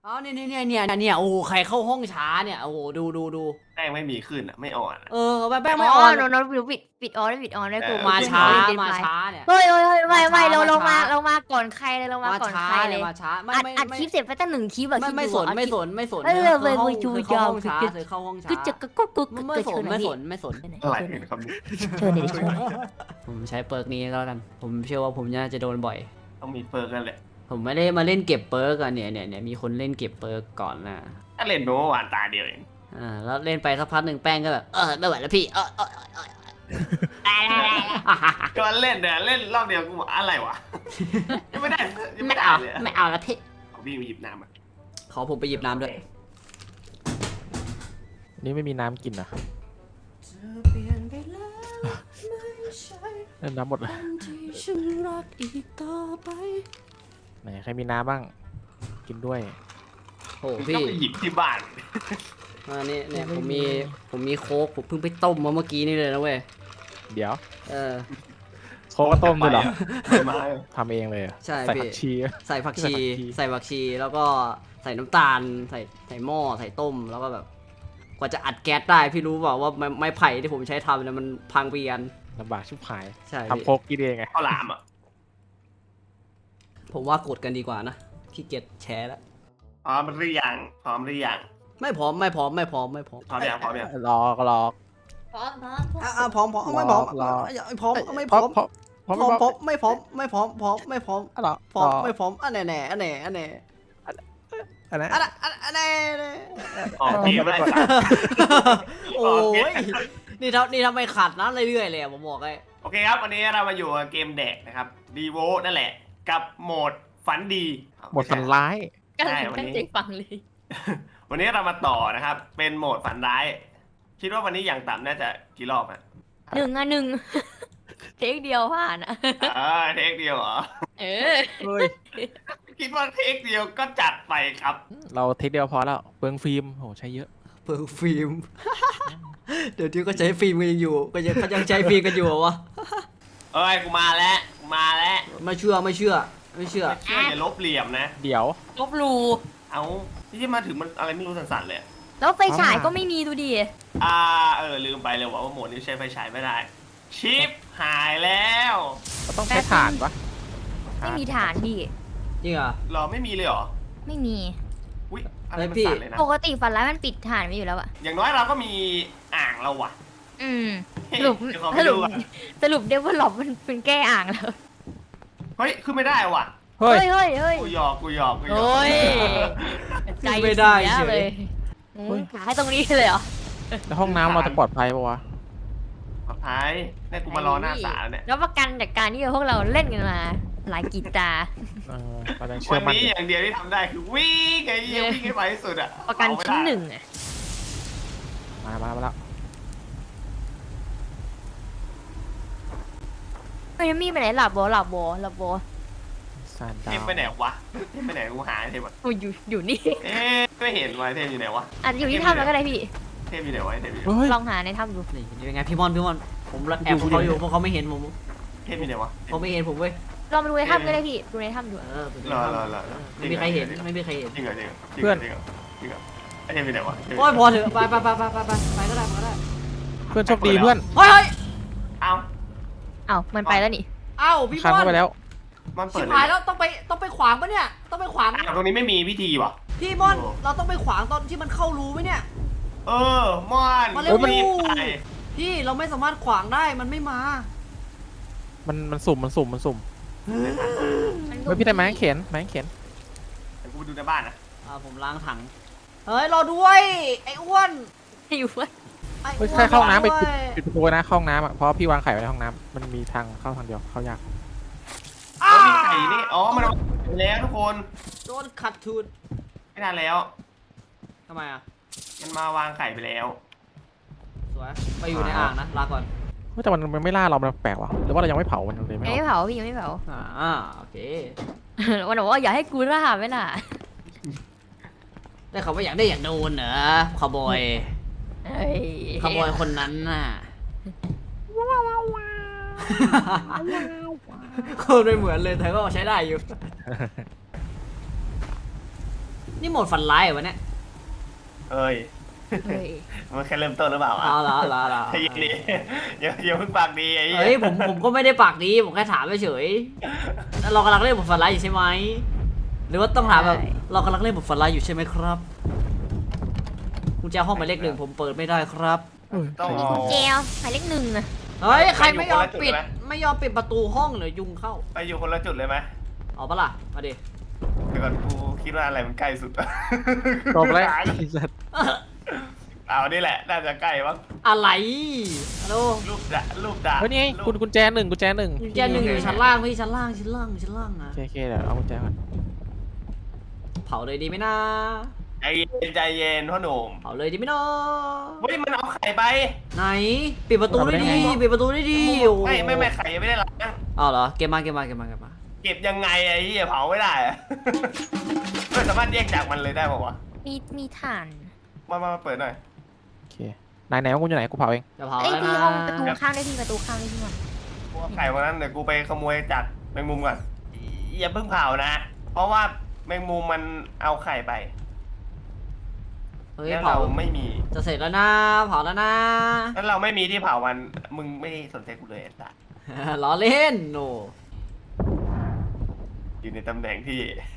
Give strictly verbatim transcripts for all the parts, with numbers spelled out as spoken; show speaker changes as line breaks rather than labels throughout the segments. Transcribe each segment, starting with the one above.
อ๋อเนี่ยเนี่ยเนี่ยเนี่ยโอ้ใครเข้าห้องช้าเนี่ยโอ้โหดูดูดู
แป้งไม่มีขึ้นอ่ะไม่อ่อนอะ
เออแป้งแป้ง
อ๋
ไม่
อ
อ่อน
โน้ตโน้ตปิดปิดออนได้ปิดออนได้กู
มา
เพื่อน
ช้า
เล่นเดน
มา
ไฟ
ช้าเนี่ย
เฮ้ยเฮ้ยเฮ้ยไม่ไม่
มาช้า
เราลงมา
มาช้า
เรามาก่อนใครเลยเรามา
มา
ก่อน
ช้า
ใครเลย
มาช้าไม่
อัด
ไม่
อัด
ไม่
คลิปเสร็จไปตั้งหนึ่งคลิปอะ
ไม่
คิด
ไม่
ดู
สน
อัด
ไม่
คลิป
สนไม่สน
เออ
เธอ
เว้ย
เข้า
เว้ย
เธอเข้าห้องช้า
จู
เธอเข้าห้องช้า
ก็จะก็ก็ก็
ไม่ไม่สนไม่สนไม่สน
อะไรกันครับเนี่ย
เชิญเลยเชิญเลย
ผมใช้เปิร์กนี้ก็แล้วกัน ผมเชื่อว่าผมน่าจะโดนบ่อย
ต้องมีเปิร์กกันแหละ
ผมไม่ได้มาเล่นเก็บเปิร์กอะเนี่ยเนี่ยเนี่ยมีคนเล่นเก็บเปิร์กก่อนนะ
ถ้าเล่นเมื่อวานตาเดียวเอง
อ่าแล้วเล่นไปสักพักหนึ่งแป้งก็แบบเออไม่ไหวแล้วพี่เออเออเออเออ
ก็เล่นเนี่ยเล่นรอบเดียวกูบอกอะไรวะยังไม่ได้ยัง
ไม่
ไม่ได้
เอา
เลย
ไม่เอาแล้วพี่
เอาวิ่งไปหยิบน้ำอ่ะ
ขอผมไปหยิบน้ำด้วย
นี่ไม่มีน้ำกินอ่ะเล่นน้ำหมดเลยไหนใครมีน้ำบ้างกินด้วย
โอ้
ก็
พี่
ไปหยิบที่บ้าน
อันนี้เนี่ยผมมีผมมีโค้กผมเพิ่งไปต้มมาเมื่อกี้นี่เลยนะเว้ย
เดี๋ยว
เออ
โคกก็ต้มด้วยเหรอ
ไม่มา
ทำเองเลยเหรอ
ใช่
ใส่
พี่
ผักชี
ใส่ผักชี
ใส่ผักชี
ใส่ผักชีแล้วก็ใส่น้ำตาลใส่ใส่หม้อใส่ต้มแล้วก็แบบ กว่าจะอัดแก๊สได้พี่รู้เปล่าว่าไม้ไม้ไผ่ที่ผมใช้ทำเนี่ยมันพังเปียน
ลำบากชิบหาย
ใช่พี่
ทำโคกกินเองไง
ข้าวหลามอ่ะ
ผมว่ากดกันดีกว่านะขี้เกียจแชร์แล้ว
พร้อมหรือยังพร้อมหรือยัง
ไม่พร้อมไม่พร้อมไม่พร้อมไม่พร้อม
พร้อมยังพร้อมยัง
รอก็รอ
พร้อมพร้อม
อ่ะอ่ะพร้อมพร้อมไม่พร้อม
รอ
ไม่พร้อมไม่พร้อม
พร้อมพร้อม
พร้อมพร้อมไม่พร้อมไม่พร้อมพร้อมไม่พร้อม
อ่ะเหรอ
พร้อมไม่พร้อมอันแน่แน่อันแน่อันแน่
อันนั้น
อันอันอันแน่แน่
ออกเกมได้สัตว์
โอ้ยนี่ทำนี่ทำไมขัดนะเรื่อยๆเลยอะผมบอกเลย
โอเคครับวันนี้เรามาอยู่กับเกมแดกนะครับดีโวนั่นแหละ กับโหมดฝันดี
หมดฝันร้าย
กัน
ใช่วัน
ตั้ง
นี้
ใจฟังเลย
วันนี้เรามาต่อนะครับ เป็นโหมดฝันร้าย คิดว่าวันนี้อย่างต่ำน่าจะกี่รอบอ่ะ
หนึ่งอ่ะหนึ่งเทคเดียวผ่านอ่ะ
เออเทคเดียวเหรอ
เออ
เฮ้ย
คิดว่าเทคเดียวก็จัดไปครับ
เราเทคเดียวพอแล้วเปลืองฟิล์มโหใช้เยอะ
เปิดฟิล์ม เดี๋ยวที่ก็ใช้ฟิล์มกันยังอยู่ก็ยังเขายังใช้ฟิล์มกันอยู่เหรอวะ
เอ้ยกูมาแล้วกูมาแล้ว
ไม่เชื่อไม่เชื่อไม่เชื่อ
ไม่เชื่ออย่าลบเหลี่ยมนะ
เดี๋ยว
ลบหลู
เอาที่มาถึงมันอะไรไม่รู้สั่นๆเลย
แล้วไฟฉายก็ไม่มีดูดิ
อ่าเออลืมไปเลยว่าว่าโหมดนี้ใช้ไฟฉายไม่ได้ ชิปหายแล้ว
ก็ต้องใช้ถ่านปะ
ไม่มีฐานพี่
จริงเหรอ
หรอไม่มีเลยเหรอ
ไม่มี
อุ้ยอะไรมัน
เฮ้ยพี่
สั่นเลยนะ
ปกติฝันร้ายมันปิดฐานไว้อยู่แล้วอะ
อย่างน้อยเราก็มีอ่างเราว่ะ
อืมสรุป
เดี๋ยวขอ
ส
ไป
รุ
ดู
ป
อ่ะ
สรุปเดวลลอปมันเป็นแก้อ่างแล้ว
เฮ้ยขึ้นไม่ได้ว่ะ
เฮ้ย
เฮ้ยเฮ้ยเฮ้ย
กูหยอกกูหยอกกูหยอก
โอ้ยใจ
ไม่ได้
เสีย
เฉ
เลย ยอืมหาให้ตรงนี้เลยเหรอ
แล้วห้องน้ำเราจะปลอดภัยปะวะ
ปลอดภัยเนี่ยกูมารอหน้าศาลเนี่ย
แล้วประกันจากการที่พวกเราเล่นกันมา หลายกีตาร์
เออเรายังเชื่
วั
อน มั่น
นี้อย่างเดียวที่ทำได้คือวิ่งไงเหี้ยวิ่งให้ไปที่สุดอะ
ประกันชิ้นหนึ่งอะ
มามามาแล้ว
เฮ้ยมีไปไหนหลับโบหลับโบหลับโบ
ซาน
เท
ดา
ม
ว
ไปไหนวะเทมไปไหนกูหาเทมอะ
โอ้ยอยู่อยู่นี่
เอ๊ะไม่เห็นวะเทมอยู่ไหนวะ
อาจจะอยู่ที่ถ้ำแล้วก็ได้พี่
เทมอยู่ไหนวะเทมอยู่ไหน
เฮ้ย
ลองหาในถ้ำดู
นี่ยังไงพี่มอนพี่มอนผมแอบพวกเขาอยู่พวกเขาไม่เห็นผม
เทมอยู่ไหนวะ
เขาไม่เห็นผมเว้ย
ลองไปดูในถ้ำก็ได้พี่ ดูในถ้ำดู
เออ
รอรอรอรอ
ไม่มีใครเห็นไม่มีใครเห็น
จริงเหรอจริงเหรอจริงเหรอจริงเหรอจริงเหรอไอเทมอยู่ไหนวะ
โอ้ยพอเถอะไปไปไปไปไปไปไปก็ได้ไปก็ได้
เพื่อนโชคดีเพื่อน
เฮ้ยเฮ้ย
เอ้า
เอ้ามันไปแล้วนี่
เอ้าพี่
ค้าง
มอน
เข้าไปแล้ว
มันเปิ
ชิ
ด
บ
เล
หาย
ย
แล้วต้องไปต้องไปขวางปะเนี่ยต้องไปขวาง
อ้าวตรงนี้ไม่มีพิธีวะ
พี่มอนเราต้องไปขวางตอนที่มันเข้ารูไหมเนี่ย
เออมอน
มาเร็ว
รีบไป
พี่เราไม่สามารถขวางได้มันไม่มา
มันมันสุ่มมันสุ่มมันสุ่ม
มัน
เฮ้ยพี่ได้ไม้เข็นไม้เข็น
เดี๋ยวกูไปดูในบ้านนะ
อ่าผมล้างถังเฮ้ยรอด้วยไอ้อ้วน
อยู่เว้ย
ไอ้อ้
เฮ้
วย น
ใครเข้าห้องน้ำไป
รอ
ปิด
ด้วย
ปิดประตูนะเข้าห้องน้ำอ่ะเพราะพี่วางไข่ไว้ในห้องน้ำมันมีทางเข้าทางเดียวเข้ายาก
เขามีไข่นี่อ๋อมันเอาไปแล้วทุกคน
โดนขัดทุน
ไม่นานแล้ว
ทำไมอ่ะ
มันมาวางไข่ไปแล้ว
สวยไปอยู่ในอ่างนะลาก่อน
เฮ้ยแต่มันมันไม่ล่าเรามันแปลกว่ะหรือว่าเรายังไม่เผามันเลยไม่
ยัง
เอา
ไม่เผาพี่ยังไม่เผา
อ่าโอเค
วันบอกว่าอย่าให้กูล่าไม่ล่ะ
ได้เขาว่าอยากได้อยากโดนเหรอขบอย
เฮ้ย
ขบอยคนนั้นน่ะคนไม่เหมือนเลยแต่ก็ใช้ได้อยู่นี่โหมดฝันร้ายเหรอวะเนี่ย
เอ้ย
เฮ้ย
มันแค่เริ่มต้นหรือเปล่าอ่ะ
เอาละเอาละเอาละ
ใจเย็นดิอย่าอย่าเพิ่งปากดีไอ้เหี้
เฮ้ยผมผมก็ไม่ได้ปากดีผมแค่ถามเฉยๆเรากำลังเล่นบทฝันร้ายอยู่ใช่ไหมหรือว่าต้องถามแบบเรากำลังเล่นบทฝันร้ายอยู่ใช่ไหมครับกุญแจห้องหมายเลขหนึ่งผมเปิดไม่ได้ครับ
ต้อง
มี
เอา
กุญแจหมายเลขหนึ่งอะ
เฮ้ยใครไม่ยอมปิด
ไปอยู่คนละจุดไหม
ไม่ยอมปิดประตูห้องเดี๋ยวยุงเข้า
ไปอยู่คนละจุดเลยไหม
เอาปะล่ะมาดิ
เดี๋ยวก่อนกูคิดว่าอะไรมันใกล้สุด
จบแล้ว
หา
ไอ้สัตว์
เอานี่แหละน่าจะใกล้มั้ง
อะไรฮัลโหล
รูปดารูปดา
เฮ้ยนี่ไง
รูป
คุณกุญแจหนึ่งกุญแจหนึ่ง
กุญแจหนึ่งอยู่ชั้นล่างพี่ชั้นล่างชั้นล่างชั้นล่างนะ
โอเคโอเคเดี๋ยวเอากุญแจก่อน
เผาเลยดีไหมนะ
ใจเย็นใจเย็นพ่อหนุ่ม
เผาเลยดีไหมเนาะ
เฮ้ยมันเอาไข่ไป
ไหนปิดประตูได้ดีปิดประตูได้ดีโอ้โห
ไม่ไม่ไม่ไข่ยังไม่ได้ล้าง
อ้าวเหรอเกมมาเกมมาเกมมาเกมมา
เก็บยังไงไอ้เหี้ยเผาไม่ได้อะ ไม่สามารถแยกจากมันเลยได้ป่าวะ
มีมีถ่าน
มามามาเปิดหน่อย
โอเคไหนไหนว่ากูอยู่ไหนกูเผาเอง
จะเผา
เอ้ย
แล้ว
พี่
นะ
ห้องประตูข้างได้พี่ประตูข้างได้พี่ก่อน
พวกไข่วันนั้นเดี๋ยวกูไปขโมยจากแมงมุมก่อนอย่าเพิ่งเผานะ เพราะว่าแมงมุมมันเอาไข่ไป
เฮ้ย
แล้ว
เผา
เราไม่มี
จะเสร็จแล้วนะเผาแล้วนะ
แล้วเราไม่มีที่เผามันมึงไม่สนใจกูเลยไอ้สัส
ล้อเล่นโน
อยู่ในตำแหน่งที่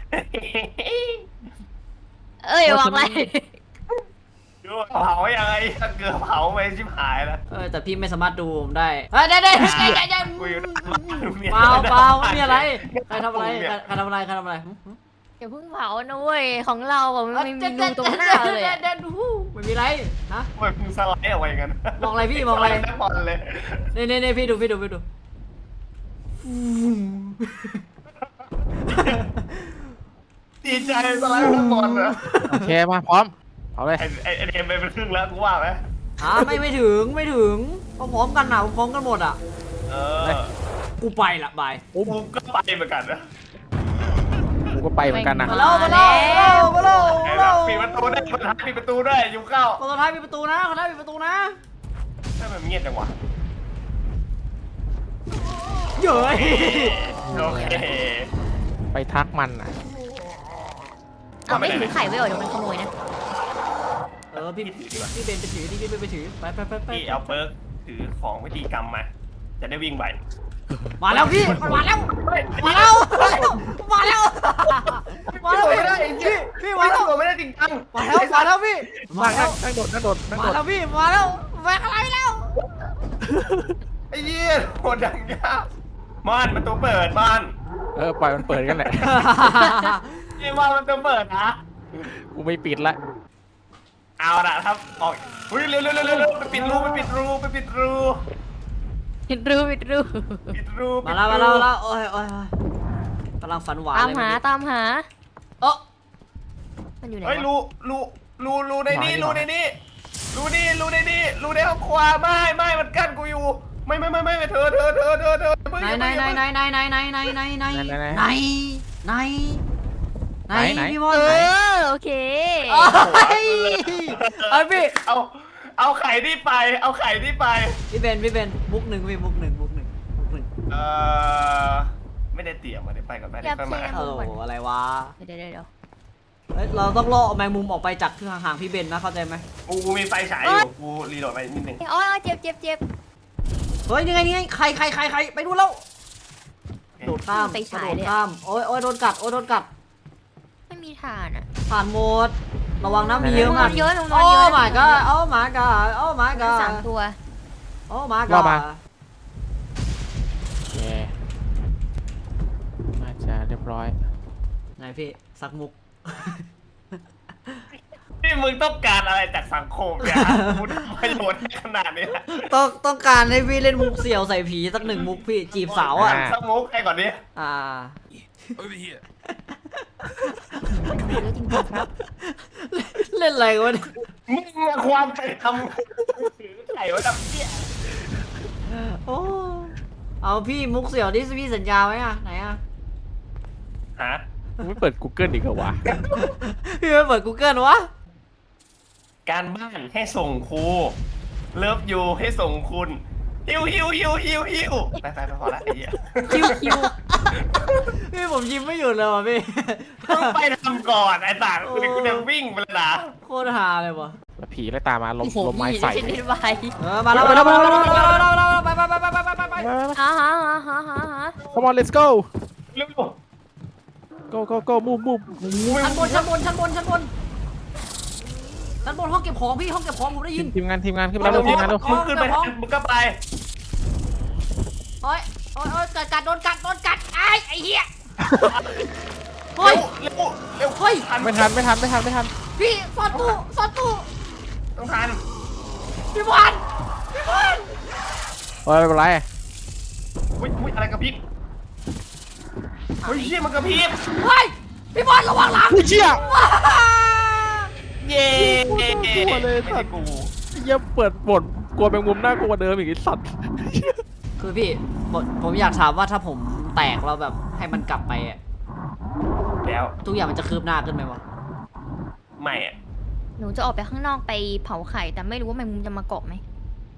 เอ้ยบอกอะไร
เผายังไงถ้าเกิดเผาไปชิบหายแล้ว
เออแต่พี่ไม่สามารถดูผมได้เฮ้ยได้ได้ได้ได้ได้
กูอยู่หน้าบ้านเนี่ย
เปล่าเปล่าไม่มีอะไรใครทำอะไรใครใครทำอะไรใครทำอะไรหึหึ
อย่าเพิ่งเผานะเว้ยของเราอะมันไม่มีรูตรงหน้าเลยอะ
เด่นหูไม่มีอะไรฮะ
ทำไมมึงสไลด์ออกไปอย่างนั้น
มองอะไรพี่มองอะไร
สลด์นักบอลเลย
เน่เน่เน่พี่ดูพี่ดูพี่ดู
ดีใจสไลด์นักบอลเหรอ
โอเคมาพร้อมเผาเลย
ไอ้ไอ้ไอ้เอ็มไปเป็นครึ่งแล้วกูว่าไหม
อ่าไม่ไม่ถึงไม่ถึงพร้อมๆกันอ่ะพร้อมกันหมดอ่ะ
เออ
กูไปละบาย
กูก็ไปเหมือนกันนะ
กูก็ไปเหมือนกันนะ
มาแล้วมาแล้วมาแล้วมาแล้ว
ปิดประตูได้คนท้ายปิดประตูได้ยุงเข้า
คนสุดท้ายปิดประตูนะคนสุดท้ายปิดประตูนะ
ทำไมมันเงียบจังวะ
เย้ย
โอเค
ไปทักมันอ่ะ
เอาไม่ถือไข่ไว้เหรอเดี๋ยวมันขโมยนะ
เออพี่พี่พี่เบนไปถือพี่เบนไปถือไปไปไปไป
พี่เอาเปิร์กถือของวิธีกรรมมา จะได้วิ่งไป
มาแล้วพี่มันมาแล้วมาแล้วมาแล้วมาแล้วพี่พี่มาแล้ว
ตัวไม่ได้จริงจัง
มาแล้วมาแล้วพี่
มา
มาแล้ว
นั่งโดดนั่งโดดนั่ง
มา
โดด
แล้วพี่มาแล้วแหวกอะไรแล้ว
ไอ้เหี้ยโหดดังยากมอนประตูเปิดมอน
เออปล่อยมันเปิดกันแหละ
ไอ้มอนประตูเปิดนะ
กูไม่ปิดละ
เอาละครับออกเฮ้ยเร็วเร็วเร็วเร็วไปปิดรูไปปิดรูไปปิดรู
ปิดรูปิดรู
ปิดรู
มาแล้วมาแล้วมาแล้วโอ้ยโอ้ยกำลังฝันหวาน
ตาม
เลย
หาตามหา
เออ
มันอยู่ไหน
เฮ้ยว
ะ
รูรูรูรูในนี้รูในนี้รูนี่รูในนี้รูในห้องครัวไม่ไม่มันกั้นกูอยู่ ไม่ไม่ไม่ไม่เธอเธอเธอเธอเธอ
ไหนไหนไหนไหนไหนไหนไหนไหนไหนไหนไหนไหนไหนไหนพี่มอน
เอ
ไหน
อโอเค
เอ้ยเอ้ยพี่
เอาเอาไข่ที่ไป เอาไข่ที่ไป
พี่เบนพี่เบนมุกหนึ่งพี่มุกหนึ่งมุกหนึ่งมุกหนึ่ง
เออไม่ได้เตรียมมาได้ไปก่อนไปได้ค่อยมา
โอ้โหอะไรวะ
เดี๋ยวเดี๋ยวเดี๋ยว
เฮ้ยเราต้องล่อแมงมุมออกไปจากที่ห่างๆพี่เบนนะเข้าใจไหม
กูมีไฟฉายอยู่กูรีโหลดไปนิดนึง
อ๋อเจ็บเจ็บเจ็บ
เฮ้ยยังไงยังไงใครใครใครใครไปดูแล้วโดดข้าม
ไป
กระ
ฉาย
โดด
เลย
ข้ามโอ้ยโอ้ยโดนกัดโอ้ยโดนกัด
ไม่มีถ่านอ่ะ
ผ่านหมดระวังนะมีเยอะมาก
เยอะนอน
โอ้
เยอะ
my god โอ้ my god โอ้ my
สา
god
มตัว
โอ้ my
รอ
god
มา โอเคน่าจะเรียบร้อย
ไหนพี่สักมุก
นี่มึงต้องการอะไรจากสังคมเนี่ยกูทำประโยชน์ขนาดนี้
ต้องต้องการให้พี่เล่นมุกเสี่ยวใส่ผีสักหนึ่งมุกพี่จีบสาวอ่ะ
สักมุกให้ก่อนดิ
อ่า
Over here.
เยอะจริงๆครับ
เล่นอะไรวะเนี่ย
มึงอะความไปทำถือไข่ไว้ทำเปี้ย
โอ้เอาพี่มุกเสี่ยวที่พี่สัญญาไว้อ่ะไหนอ่ะ
ฮะ
มึงไม่เปิด Google อีกเหรอวะ
พี่ไม่เปิด Google วะ
การบ้านให้ส่งครูเลิฟยูให้ส่งคุณฮิวฮิวฮิวฮิวฮิวไปไปไปพอละไอ้เหี้ย
คิวคิวพี่ผมยิ้มไม่หยุดเลยว่ะพี่
ต้องไปทำก่อนไอ้ต่างกูเนี่ยกูเนี่ยวิ่งไปแล้วนะ
โคตรฮาเลยว่ะ
แล้วผีเลยตามมาลม
โอ้โห
ลมไม้
พี่
ใส่
เช่นนี้ไป
เออมาแล้วมาแล้วมาแล้วมาแล้วมาแล้วไปไปไปไปไปไปไป
อ่าฮะอ่าฮะอ่าฮะ
Come on let's go
เร็ว
go go go move move
ชั้นบนชั้นบนชั้นบนชั้นบนชั้นบนห้องเก็บของพี่ห้องเก็บของผมได้ยิน
ทีมงานทีมงานขึ้นมาแล้วทีมงานแล้ว
มึงขึ้นไปทางมึงก็ไป
โอ้ยโอ้ยโอ้ยกัดกัดโดนกัดโดนกัดไอ้ไอ้เหี้ยเฮ้ย
เร็วเร็ว
เฮ้ย
ไม่ทันไม่ทันไม่ทันไม่ทัน
พี่ซ่อนตู้ซ่อนตู้
ต้องทัน
พี่บอลพี่บอล
เฮ้ยไม่เป็นไร
อุ้ยอุ้ยอะไรกระพริบเฮ้ยเชี่ยมันกระพริบ
เฮ้ยพี่บอลระวังหลัง
อุ้ยเชี่ย
ว้า
เย้
กลัวเลย
ไม่
สั
ใช่
ตว์
กู
เยี่ยเปิดบทกลัวแมงมุมน่ากลัวกว่าเดิมอีกไอ้สัตว์
คือพี่ผมผมอยากถามว่าถ้าผมแตกแล้วแบบให้มันกลับไปอะ
แล้ว
ทุกอย่างมันจะคืบหน้าขึ้นไหมวะ
ไม่อะ
หนูจะออกไปข้างนอกไปเผาไข่แต่ไม่รู้ว่าแมงมุมจะมาเกาะไหม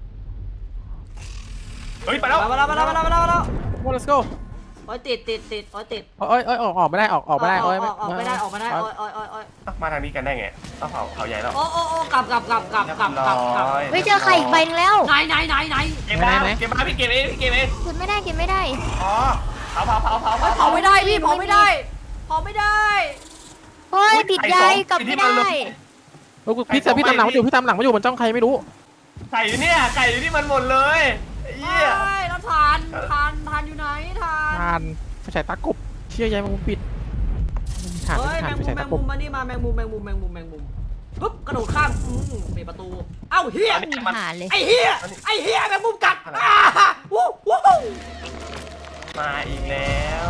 เฮ้ยไปแล้ว
มาแล้วมาแล้วมาแล้วมาแล้วมาแล้ว
Come on let's go
โอ้ยติดติดติดโอ้ยติด
เอ้ยเอ้ยออกออกไม่ได้ออกออกไม่ได้
อ
เอ้ย
อกออกไม่ได้ออกไม่ได้โอ้ยโอ้ยโอ้ยโอ้ย
มาทางนี้กันได้ไงต้องเผาเผาใหญ่แล้ว
โอ้โอ้โอ้กลับกลับกลับกลับกลับกลับกลับ
เฮ้ยเจอไข่อีกใบนึงแล้ว
ไหนไหนไหนไหน
เก็บมาเก็บมาพี่เก็บเองพี่เก็บเอง
กินไม่ได้กินไม่ได้
อ๋อเผาเผาเผาเผา
เฮ้ยเผาไม่ได้พี่เผาไม่ได้เผาไม่ได้
เฮ้ยปิดใยกลับไม่ได้
เฮ้ยพี่แต่พี่ตามหลังมาอยู่พี่ตามหลังมาอยู่บนจ้องใครไม่รู้
ไก่อยู่เนี่ยไก่อยู่ที่มันหมดเลยเหี้ย
ใช่แล้วทานทานทานอยู่ไหนทาน
ทานไฟฉายตากบเชี่ยยายแมงมุมปิดทาน
เฮ้ย
ทา
แม
น
ง
ไฟ
มุม
ฉาย
แม
ตาง กบ
มุมมานี่มาแมงมุมแมงมุมแมงมุมแมงมุมปุ๊บกระโดดข้ามอืมปิดประตู เอ้าเฮีย
มีหารเลย
ไอ้เฮียไอ้เฮียแมงมุมกัดอ่าวู้วู้
มาอีกแล้ว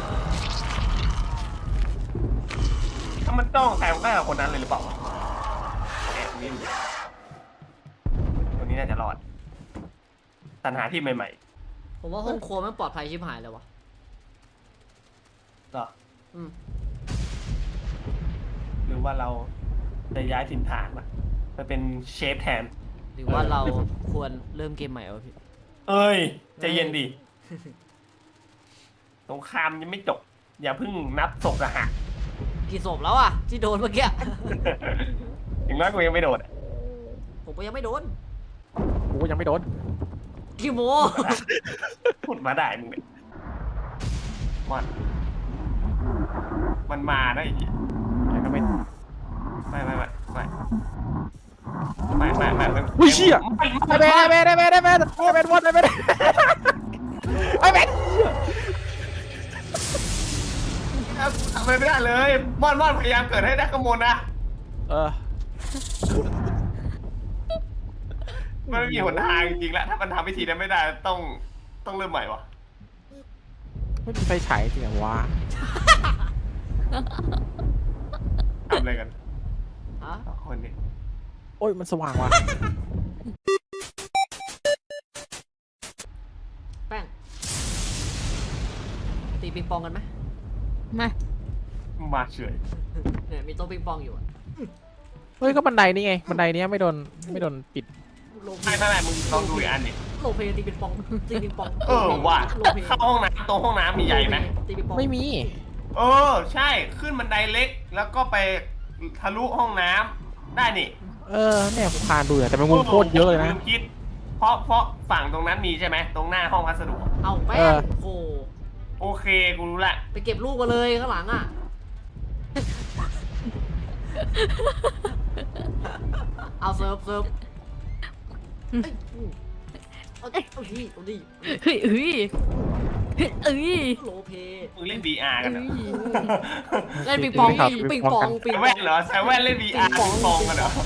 ถ้ามันต้องใครมันก็กับคนนั้นเลยหรือเปล่าวะแอบวิ่งตัวนี้น่าจะรอดตันหาที่ใหม่
ผมว่าห้องครัวมันปลอดภัยชิบหายเลยวะ
ๆเหรอ
อืม
หรือว่าเราจะย้ายถิ่นฐานมาไปเป็นเชฟแทน
หรือว่าเราควรเริ่มเกมใหม่วะพี่
เอ้ยใจเย็นดิสงครามยังไม่จบ อย่าเพิ่งนับศพนะฮะ
กี่ศพแล้วอ่ะที่โดนเมื่อกี้
อย่างน้อยกูยังไม่โดนอะ
ผมก็ยังไม่โดน
กูก็ยังไม่โดน
กี่โม
พูดมาได้มึงเนี่ยมันมันมาได้อีก
ยังก็ไม่
ไม่ไม่ไม่ไม่ไม่ไม่ไม่ไม่
อุ้ยเชี่ย
ไม่
ไอ้เบนไอ้เบนไอ้เบนไอ้เบนไอ้เบนวนไอ้เบนไอ้เบน
ทำอะไรไม่ได้เลยมอนมอนพยายามเกิดให้ได้ขโมยนะ
เออ
มันไม่มีหนทางจริงๆแล้วถ้ามันทำวิธีนั้นไม่ได้ต้องต้องเริ่มใหม่วะ
ไม่มีไฟฉายจริงเหรอวะ
ทำอะไรกัน
ฮะ
สองคนนี้
โอ้ยมันสว่างว่ะ
แป้งตีปิงปองกันไหม
มา
มาเฉย
เนี่ยมีโต๊ะปิงปองอยู่อะ
เฮ้ยก็บันไดนี่ไงบันไดเนี้ยไม่โดนไม่โดนปิด
โลเพ
ไม่ไม่ไม่มึงลองดูอีกอันดิ
โลเพตีปิงปองตีปิงปอง
เออว่ะ
โลเพ
เข้าห้องน้ำตรงห้องน้ำมีใหญ่ไหม
ตีปิงปอง
ไม่มี
เออใช่ขึ้นบันไดเล็กแล้วก็ไปทะลุห้องน้ำได้นี่
เออเนี่ยผมผ่านดูอะแต่แมงมุมโคตรเยอะเลยนะ
มคิด เพราะเพราะฝั่งตรงนั้นมีใช่ไหมตรงหน้าห้องพัสดุ
เอาแป้
เอง อ
โอ้
โอเคกูรู้ละ
ไปเก็บลูกมาเลยข้างหลังอ่ะเอาเซิร์ฟเซิร์ฟเอ้ยเอาเอาเอาดิเอาดิ
เฮ้ยเฮ้ยเฮ้ยเอ้ย
โลเพ
มึงเล่น วี อาร์ กันเหรอ
เล่นปิงปอง
ครับ
ปิงปองปิง
ใส่
ป
แว่
อง
นเหรอใส่แว่นเล่น วี อาร์ ปิงปองกันเหรอ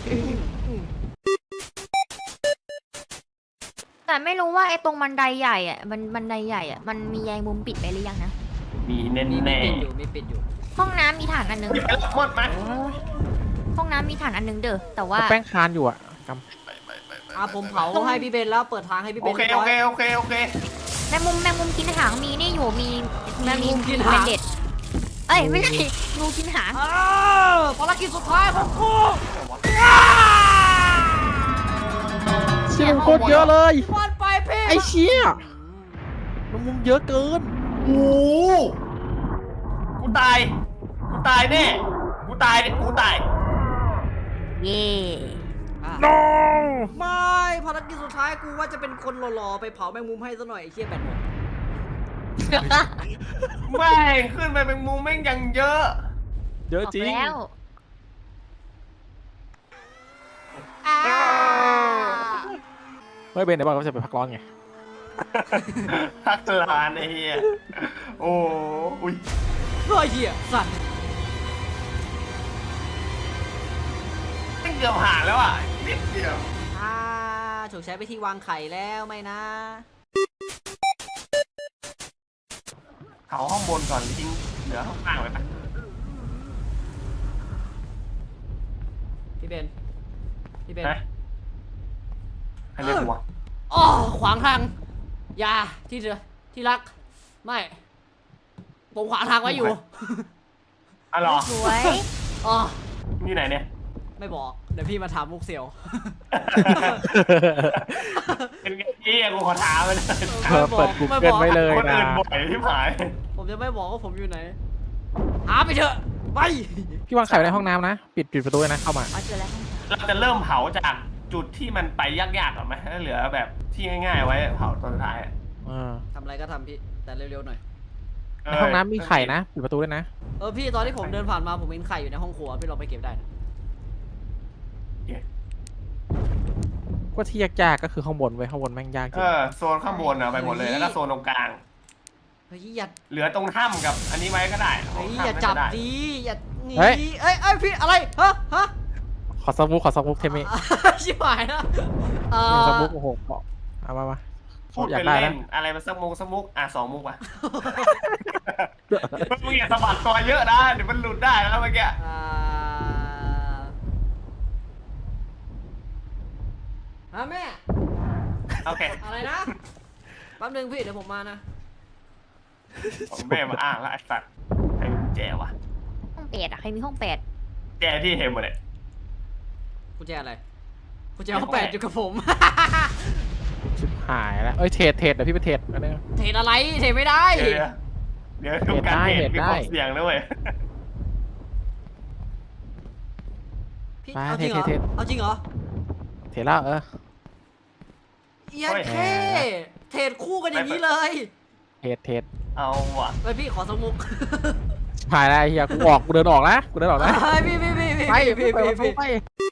แต่ไม่รู้ว่าไอ้ตรงบันไดใหญ่อ่ะมันบันไดใหญ่อ่ะมันมีใยมุมปิดไปหรือยังนะ
มีแน่
มี
แน่
ปิดอยู่มีปิดอยู่
ห้องน้ำมีถังอันนึง
หยิบไปแล้วหมดไหม
ห้องน้ำมีถังอันนึงเด้อแต่ว่า
แป้งคานอยู่อะก
อ่ะผมเผาให้พี่เบนแล้วเปิดทางให้พี่เบ
โอน เค
รียบ
โอ
ร้ย
เคโอเคโอเค
แมงมุมแมงมุมกินหางมีนี่อยู่มี
แมงมุมกินหาง
เป็นเด็ดเอ้ยไม่ใช่งูกินหาง
อ้าวภารกิจสุดท้ายของกู
ำเชี่ยมันโคตรเยอะเลย
วันไปเพ
อ้เชี่ยแมงมุมเยอะเกิน
โอ้โหกูตายกูตายแน่กูตายเนี่ยกูตาย
เย่
no
ไม่ภารกิจสุดท้ายกูว่าจะเป็นคนหล่อๆไปเผาแมงมุมให้ซะหน่อยไอ้เชี่ยแบตหมด
แม่งขึ้นไปเป็นมุมแม่งยังเยอะ
เยอะจริง
แล้ว
เฮ้ยเบนเดี๋ยวบอกว่าจะไปพักร้อนไง
พักลานไอ้เหี้ยโอ้อุ้ย
เฮ้ยเหี้ยสัตว์
แม่งเกือบผ่านแล้วอ่ะนิดเดียว
อ่าถูกใช้ไปที่วางไข่แล้วไม่นะ
เผาห้องบนก่อนทิ้งเหลือห้องล่างไว้ปะ
พี่เบนพี่เบน
ฮะใครเรียกกูวะ
อ๋อขวางทางอย่าที่เธอที่รักไม่ผมขวางทางไว้อยู่
อ๋อเหรอ
สวย
อ๋อ
นี่ไหนเนี่ย
ไม่บอกเดี๋ยวพี่มาถามมุกเสียว
เป็นไงพี่กูขอถามมันเลย
เออเปิด Google ไว้เลย
คน
นะ
อื่นบ่อยที่หาย
ผมจะไม่บอกว่าผมอยู่ไหนหาไปเถอะไป
พี่วางไข่ไว้ในห้องน้ำนะ ปิดปิดประตูเลยนะเข้ามา
เอาเจอแล้ว
เราจะเริ่มเผาจากจุดที่มันไปยากๆก่อนไหมแล้วเหลือแบบที่ง่ายๆไว้เผาตอนสุดท้ายอะ
เออ
ทำอะไรก็ทำพี่แต่เร็วๆหน่อย
ในห้องน้ำมีไข่นะ ปิดประตูด้วยนะ
เออพี่ตอนที่ผมเดินผ่านมาผมเห็นไข่อยู่ในห้องครัวพี่ลองไปเก็บได้นะ
ก็ที่ยากๆก็คือข้างบนไว้ยข้างบนแม่งยากจ
เอ
ริง
อโซนข้างบนอะไปหมดเลยแล้วก็โซนตรงกลาง
เฮ้ยอย่า
เหลือตรงถ้ำกับอันนี้ไว้ก็ได้
เฮ้ย
ถ้ำ
อย่า
ไม่
จับ
ได้
ดีอย่าหนีเอ้ยเอ้ยพี่อะไรฮะฮะ
ขอสมุกขอสมุกเทมิ
ชิบหายแล้วเอ
หนึ่ง
อ
สมุกโอ้โหเอามามา
พูด
อยาก
เป็น
ได้
เล่
นะ
นอะไรมันสักมุกสักมุกอ่ะสองมุกว่ะ มึงอย่าสะบัดตัวเยอะนะเดี๋ยวมันหลุดได้แล้วเมื่อกี้
อ่าฮะแม่
โอเค
อะไรนะแป๊บนึงพี่เดี๋ยวผมมานะ
ของแม่มาอ้างแล้วไอ้สัตว์ใครมีแจวะ
ห้องแปดอะใครมีห้องแปด
แจที่เห็นหมดเลย
กุญแจอะไรกุญแจห้องแปดอยู่กับผม
ชิบหายแล้วเอ้ยเทรดเทรดเดี๋ยวพี่ไปเทรดอันนี้
เทรดอะไรเทรดไม่ได้
เดี๋ยวเดี๋ยวทุกการ
เห็
เห็
น
น
ได้
มีความเสี่ยงนะเว้ย
พี่
ไป
เอาจริงเหรอ
เทรดเทรด
เอาจริงเหรอ
เทรดแล้วเออ
เอียเท่เทรดคู่กันอย่างนี้เลย
เทรดเทรด
เอาว่ะ
ไปพี่ขอสมุก
ชิบหายแล้วไอ้เฮียกูออกกูเดินออกนะกูเดินออกนะ
เฮ้ยพี่พี่พี่พี่
ไป
พี่
ไป
พี่
ไป
พี่
ไป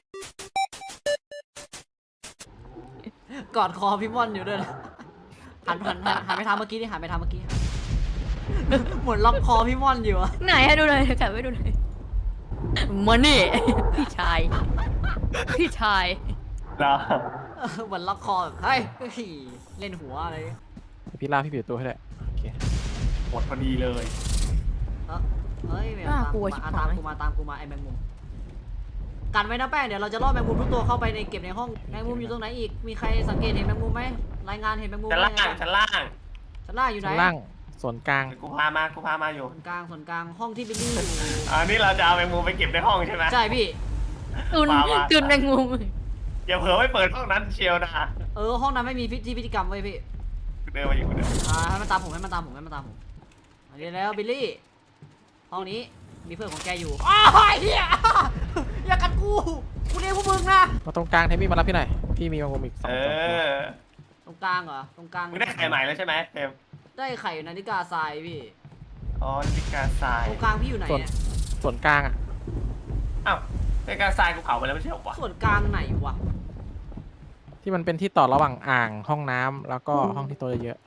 กอดคอพี่ม่อนอยู่ด้วยนะหันหันหันหันไปทางเมื่อกี้ดิหันไปทางเมื่อกี้เหมือนล็อกคอพี่ม่อนอยู่อะ
ไหนให้ดูหน่อยกลับไปดูหน่อยมานี่ พี่ชาย พี่ชาย
เหรอ
เออเหมือนล็อกคอแบบเฮ้ยเฮ้ยเล่นหัวอะไร
พี่ลากพี่ปิดประตูให้ได้โอเค
หมดพอดีเลย
เออเฮ้ยแมว
น่า
ตาม
กลั
กู
ว
มา
ชิบ
อ่ะ
หาย
ตามกูมาตามกูมาไอ้แมงมุมกันไว้นะแป้งเดี๋ยวเราจะล่อแมงมุมทุกตัวเข้าไปในเก็บในห้องแมงมุมอยู่ตรงไหนอีกมีใครสังเกตเห็นแมงมุมไหมรายงานเห็นแมงมุม
ชั้น
ไหม
ล่างชั้นล่าง
ชั้นล่างอยู่ไหน
ชั้นล่างส่วนกลาง
กูพามากูพามาอยู่
ส่วนกลางส่วนกลางห้องที่บิลลี่อยู่
อันนี้เราจะเอาแมงมุมไปเก็บในห้องใช่ไหม
ใช่พี่
ตุน
มามา
ตุนแมงมุม
อย่าเผลอไปเปิดห้องนั้นเชียวนะ
เออห้องนั้นไม่มีพิธีพิธีกรรมเว้ยพี่
เดินมาอยู่เดิน
อ่าให้มันตามผมให้มันตามผมให้มันตามผมอันนี้แล้วบิลลี่ห้องนี้มีเพื่อนของแกอยู่อ้าวเฮียอย่ากัดกูกูเรียกพวกมึงนะ
มาตรงกลางเทมี่มารับพี่หน่อยพี่มีมังกรอีกสอง
เอ
สองตัว
อ
ตรงกลางเหรอตรงกลาง
มึงได้ไข่ใหม่แล้วใช่ไหมเต็ม
ได้ไข่นาฬิกาทรายพี่
อ๋อนาฬิกาทราย
ตรงกลางพี่อยู่ไหน
ส่วน
เนี่ย
ส่วนกลางอ่ะ
อ้าวนาฬิกาทรายกูเผาไปแล้วไม่ใช่เหรอวะ
ส่วนกลางไหนวะ
ที่มันเป็นที่ต่อระหว่างอ่างห้องน้ำแล้วก็ห้องที่ตัวเยอะ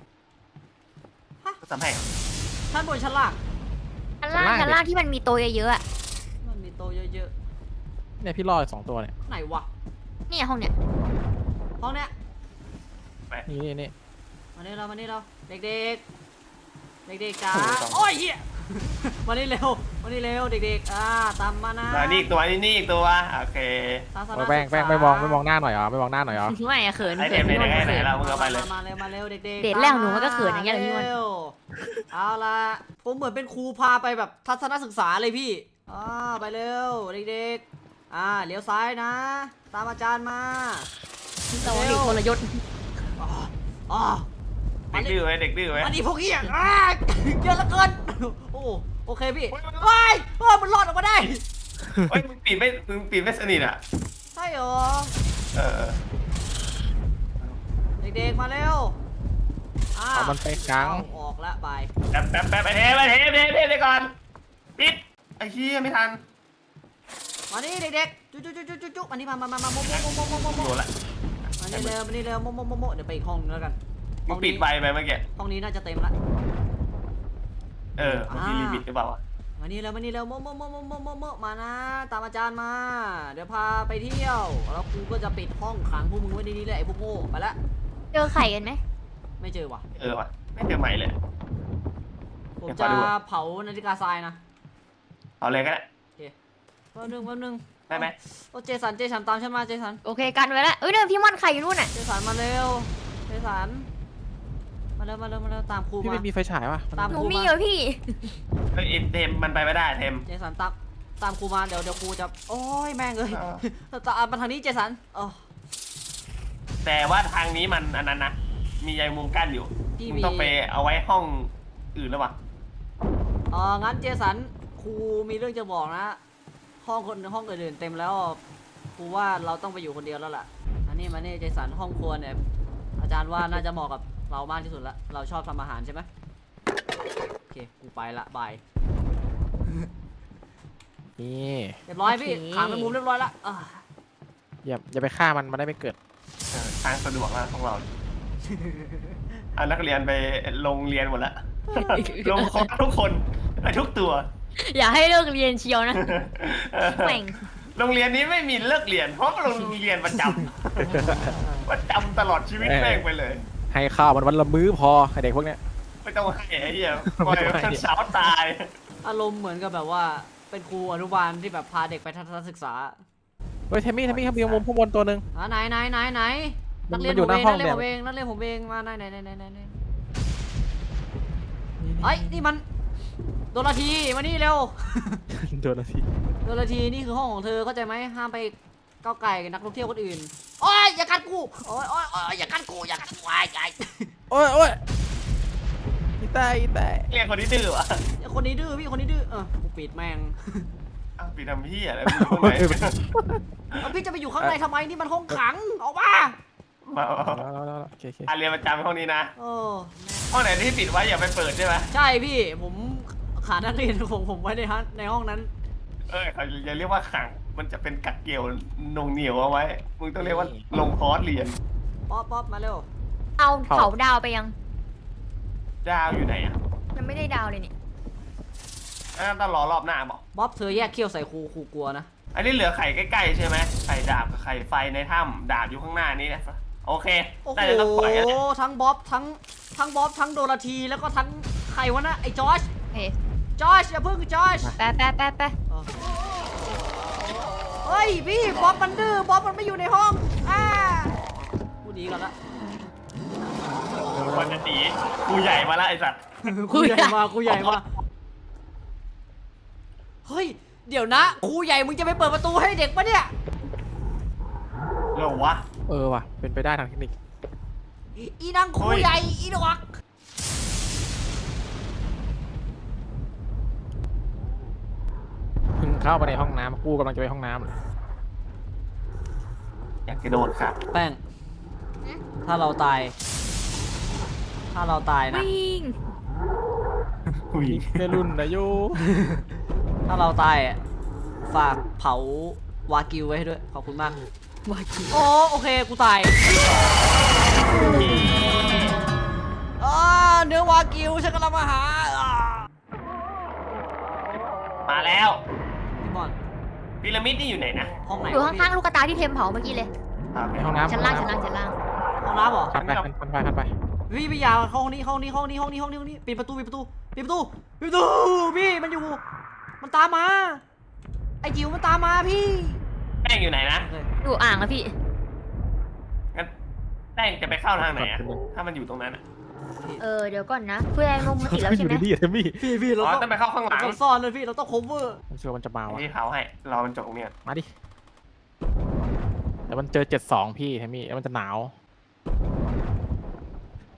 สำแพง
ชั้นบนชั้นล่าง
ชั้นล่าง
ชั้
ชั้
น
น
ล่า
ล่าง งที่มันมีโต๊ะเยอะๆอะ
มันมีโตะเยอะ
ๆเนี่ยพี่รออีกสองตัวเนี่ย
ๆไหนวะ
เนี่ยห้องเนี่ย
ห้องเนี้ย
นี่นี่นี่
มานี่เรามานี่เราเด็กๆ เด็กๆจ้า
โอ้โหสอง
โอ้ยเฮีย มานี่เร็วมานี่เร็วเด็กๆอ่าตามมานะ
แล้วนี่อีกตัวนี่นี่อีกตัวโอเค
ทัศน
โอ้
ศึกษา
แป้งแป้งไม่มองไม่มองหน้าหน่อยเหรอไม่มองหน้าหน่อยเหรอ
ไม่อะเขิน
ไอเท
เขิน
มไหน
พี่
ไหน
มัน
ไหน
เขิน
เรามึงเอาไปเลย
มาเร็วมาเร็วเด็กๆ
เดทแรกหนูมันก็เขินอย่างเงี้ยเลยพี่ม่อน
ร็วเอาละผมเหมือนเป็นครูพาไปแบบทัศนศึกษาเลยพี่อ่าไปเร็วเด็กๆอ่าเลี้ยวซ้ายนะ ตามอาจารย์มา
แต่ว่าเด็กคนละยศ
อ๋ออ๋อ
เด็กดื้อไหมเด็กดื้อไหม
อันนี้พวกเหี้ยอ่าเยอะเหลือเกินโอ้โอเคพี่ว้ายเออมันรอดออกมาได้
เฮ้ยมึงปิดไม่มึงปิดไม่สนิทอ่ะ
ใช่เหรอ
เออ
เด็กๆมาเร็วอ่า
เอามันไปกลาง
เอาออกละบาย
แป๊บแป๊บแป๊บไอ้เทปไอ้เทปเทปเทปเดี๋ยวก่อนปิดไอ้เหี้ยไม่ทัน
มานี่เด็กๆจุ๊จุ๊จุ๊จุ๊จุ๊จุ๊มานี่มามามามาโมโมโมโมโมโม
โดนละ
มานี่เร็วมานี่เร็วโมโมโมโมเดี๋ยวไปอีกห้องนึงแล้วกัน
มึงปิดไวไปเมื่อกี้
ห้องนี้น่าจะเต็มละ
เออมันมีลิมิตหรือเปล่าวะ
มานี่เร็วมานี่เร็วโมโมโมโมโมโมโมมานะตามอาจารย์มา เดี๋ยวพาไปเที่ยวแล้วครูก็จะปิดห้องขังพวกมึงไว้ในนี้เลยไอ้พวกโง่ไปละ
เจอไข่กันไหม
ไม่เจอว่ะ
เออวะไม่เจอใหม่เลย
ผม
เดี๋ยวข
จะ
อดูอะ
เผานาฬิกาทรายนะ
เอาเลยก็ได้
โอเคแป๊บนึงแป๊บนึง
ได้ไหม
โอ้เจสันเจสันตามฉันมาเจสัน
โอเคกันไว้แล้วเอ้ยเดินพี่ม่อนไข่อยู่นู่นน่ะ
เจสันมาเร็วเจสันมาเร็วมาเร็วมาเร็วตามครู
พี่
มา
ไม่มีไฟฉายป่ะ
ตาม
หนูมีเหรอพี่
เฮ้ยเทมมันไปไม่ได้เทม
เจสันตามตามครูมาเดี๋ยวเดี๋ยวครูจะโอ้ยแม่งเลย
อ่า
ตามมาทางนี้เจสันเออ
แต่ว่าทางนี้มันอันนั้นนะมีใยมุมกั้นอยู่
พี่
มึง
มี
ต้องไปเอาไว้ห้องอื่นแล้ววะ
เอองั้นเจสันครูมีเรื่องจะบอกนะ ห้องคนห้องอื่นๆเต็มแล้วครูว่าเราต้องไปอยู่คนเดียวแล้วล่ะอันนี้มานี่เจสันห้องครัวเนี่ยอาจารย์ว่าน่าจะเหมาะกับเรามากที่สุดละเราชอบทำอาหารใช่ไหมโอเคกูไปละบาย
นี่
เรียบร้อยพี่
โอเค
ขังในมุมเรียบร้อยละอ่า
อย่าอย่าไปฆ่ามันมันได้ไม่เกิด
เออทางสะดวกแล้วของเราเอานักเรียนไปโรงเรียนหมดละ ลงครบทุกคนไปทุกตัว
อย่าให้เลิกเรียนเชียวนะ
เออ
แม่ง
โรงเรียนนี้ไม่มีเลิกเรียน เพราะโรงเรียนประจำ ประจำตลอดชีวิตแม่งไปเลย
ให้ข้าวมันวันละมื้อพอไอเด็กพวกเนี้ย
ไม่ต้องให้ไอ้เหี้ยปล่อยมันเช้าตาย
อารมณ์เหมือนกับแบบว่าเป็นครูอนุบาลที่แบบพาเด็กไปทัศนศึกษา
เฮ้ยเทมมี่เทมมี่ครับมีมุมข้างบนตัวหนึ่ง
อ่าไหนไหนไหนไหน
มั
นั
น
กเรียน
มันอยู่
ผม
หน้า
เอง
ห้
นั
อก ง
เรียน
เนี่ย
ผมเองนักเรียนผมเองมาไหนไหนไหนไหนไหนไหนไอ้ยนี่มันโดนละทีมานี่เร็ว
โดนนาที
โดนละทีนี่คือห้องของเธอเข้าใจไหมห้ามไปก้าวไก่กับนักท่องเที่ยวคนอื่นโอ้ยอย่ากัดกูโอ้ยโอ้ยโอ้ยอย่ากัดกูอย่ากัดกูไอ้ไอ้
โอ้ยโอ้ยอีแต่อีแต่
เรียกคนที่ดื้อวะ
คนนี้ดื้อพี่คนนี้ดื้อเออกูปิดแม่ง
อ้าวปีทำพี่อะไรมึงอยู่ตรงไหน
แล้วพี่จะไปอยู่ข้างในทำไมนี่มันห้องขังออกมา
มามา
แล้วแล้วแล้วโอเคโอเค
อ่ะเรียนประจำห้องนี้นะ
เออ
ห้องไหนที่ปิดไว้อย่าไปเปิดใช่ไหม
ใช่พี่ผมขานักเรียนของผมไว้ในห้องในห้องนั้น
เออเขาอย่าเรียกว่าขังมันจะเป็นกักเกี่ยวหนงเหนียวเอาไว้ มึงต้องเรียกว่าลงคอร์สเรียน
ป๊อปป๊อปมาเร็ว
เอาเผาดาวไปยัง
ดาวอยู่ไหนอ่ะ
ยังไม่ได้ดาวเลยเนี่ย
อ่ะต้องรอรอบหน้าบอก
บ๊อบเธอแยกเขี้ยวใส่ครูครูกลัวนะ
อันนี้เหลือไข่ใกล้ๆใช่ไหมไข่ดาบกับไข่ไฟในถ้ำดาบอยู่ข้างหน้านี้นะโอเค
โอ้โห
น่าจะต้องปล่อยแล้วแหละ
ทั้งบ๊อบทั้งทั้งบ๊อบทั้งโดราธีแล้วก็ทั้งใครวะนะไอ้จอร์จ
เฮ้ย
จอร์จอย่าเพิ่งจอร์จ
แป๊ะแป๊ะแป๊ะแป๊ะ
เฮ้ยพี่บ๊อบมันดื้อบ๊อบมันไม่อยู่ในห้องอ่ากูหนีก่อนละ
มันจะหนีกูใหญ่มาแล้วไอ้สัตว์
ครูใหญ่มาครูใหญ่มาเฮ้ยเดี๋ยวนะครูใหญ่มึงจะไปเปิดประตูให้เด็กปะเนี่ย
เหรอวะ
เออว่ะเป็นไปได้ทางเทคนิค
อีนางครู
เฮ้ย
ใหญ่อีดอก
เพิ่งเข้าไปในห้องน้ำกูกำลังจะไปห้องน้ำเลย
อยากกระโดดค่ะ
แป้งถ้าเราตาย ถ้าเราตายนะ
วิ่ง
อุ้ย
เมรุ่นนะโย
ถ้าเราตายอะฝากเผาวากิวไว้ให้ด้วย ขอบคุณมาก
วากิ
โอ้โอเค กูตายอ่าเนื้อวากิวฉันกำลังมาหาอ่า
มาแล้ว
พี่บอล
พีระมิดนี่อยู่ไหนนะ
ห้องไหน
อยู่ข้างๆลูกกระตายที่เทมเผาเมื่อกี้เลย
ในห้องน้ำ
ชั้นล่างชั้นล่างชั้นล่าง
ห้องน้ำเหรอ
พันไปพันไปพันไป
พี่พี่อยาห้องนี้ห้องนี้ห้องนี้ห้องนี้ห้องนี้ห้องนี้ปิดประตูปิดประตูปิดประตูปิดประตูพี่มันอยู่ มันตามมา ไอ้จิ๋วมันตามมาพี่
แป้งอยู่ไหนนะ
อยู่อ่างอะพี่
งั้นแป้งจะไปเข้าทางไหนอะถ้ามันอยู่ตรงนั้นอะ
เออเดี๋ยวก่อนนะเพื่อนลงมาติดแล้ว
อ
ใช่
ยู่
ไหม
ดีๆเทมมี่
พี่พี่เรา
อ๋อ
ต้อง
ต้องไปเข้าข้างหลัง
เราต้องซ่อนเลยพี่เราต้อง cover
ผมเชื่อมันจะมาว่ะ
ที่เขาให้รอมันจบตรงเนี้ย
มาดิแต่มันเจอเจ็ดสองพี่เทมมี่แล้วมันจะหนาว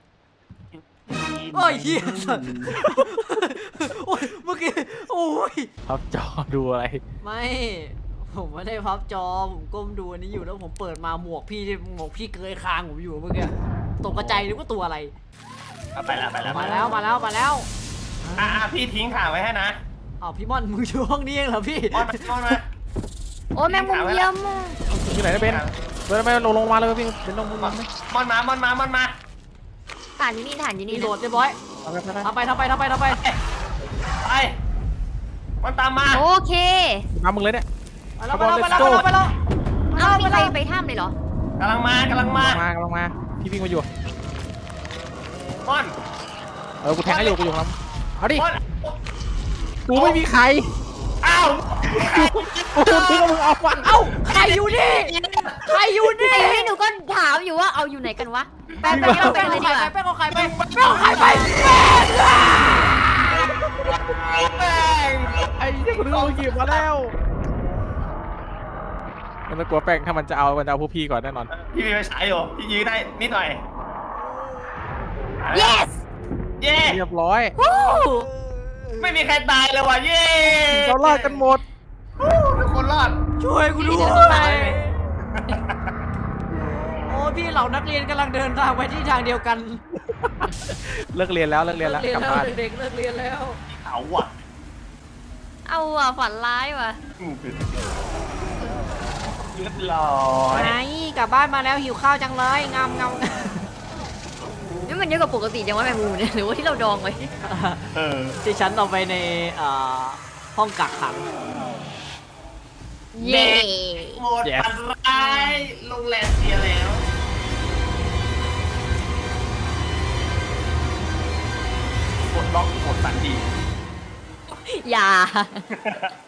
โอ้ยเฮียสัตว์โอ้ยเมื่อกี้โอ้ย
พับจอดูอะไร
ไม่ผมไม่ได้พับจอผมก้มดูอันนี้อยู่แล้วผมเปิดมาหมวกพี่หมวกพี่เกยคางผมอยู่เมื่อกี้ตกกระจายนึกว่าตัวอะไร
เอาไปแล้วไปแล้ว
มาแล้วมาแล้วมาแล้ว
อ่ะอ่ะพี่ทิ้งข่าวไว้ให้นะ
อ้าวพี่ม่อนมึงอยู่ห้องนี้เองเหรอพี่
มอนมามอนมา
โอ้แมงมุมเยี่ยมอะ
ที่ไหนได้เป็นเดินไปลงลงมาเลยพี่เป็นลงมึง
มอนมอนมามอนมามอนมา
ฐานอยู่นี่ฐานอยู่
มี
นี่
โหลดเรียบร้อย
เอาไปไป
ทำไปทำไปทำไปทำไป
ไปมันตามมา
โอเค
มามึงเลยเนี่ย
ไปแล้วไปแล้วไปแล้วไปแล้วไปแล้ว
เอ้ามีใครไปถ้ำเลยเหรอก
ำลังมากำลังมา
มาลงมาพี่วิ่งมาอยู่
มอน
เออกูแทงให้อยู่กูอยู่ครับเอาดิ
มอน
กูไม่มีใคร
อ้าว
กูทิ้งมึงเอาวะ
เอ้าใครอยู่นี่ใครอยู่นี่
ไอ้นี่หนูก็ถามอยู่ว่าเอาอยู่ไหนกันวะแป๊บ
แป้ง
ๆเราไป
แป้ง
กันเลย
เอา
ดี
ไข่
กว่า
ไปแป้งเอาไข่ไปแป้งเอาไข่ไปแป้ง
แป้ง
ไอ้เนี่ยกูนึกว่ามึงหยิบมาแล้วมันไม่กลัวแป้งถ้ามันจะเอามันจะเอาพวกพี่ก่อนแน่นอน
พี่มีไฟฉายอยู่พี่ยื้อได้นิดหน่อย
yes
เย้
เรียบร้อย
วู้
ไม่มีใครตายเลยว่ะเย้
เรารอดกันหมด
ทุกคนรอด
ช่วยกูด้วยโอ้พี่เหล่านักเรียนกำลังเดินทางไปที่ทางเดียวกัน
เลิกเรียนแล้วเลิกเรียนแล้ว
เรียน
กลับ
แล้ว
บ้าน
เด็กๆเลิกเรียนแล้ว
เขาอ่ะ
เอาอ่ะฝันร้ายว่ะ
เรียบร้อย
ไงกลับบ้านมาแล้วหิวข้าวจังเลยงามงาม
นี่มันเยอะกว่าปกติจังว่าแมงมุมเนี่ยหรือว่าที่เราดองไว้
เออ
ที่ฉันเอาไปในเอ่อห้องกักขัง
เย่
หมดปันร้ายโรงแรมเสียแล้วกดล็อกกดสันที
อย่า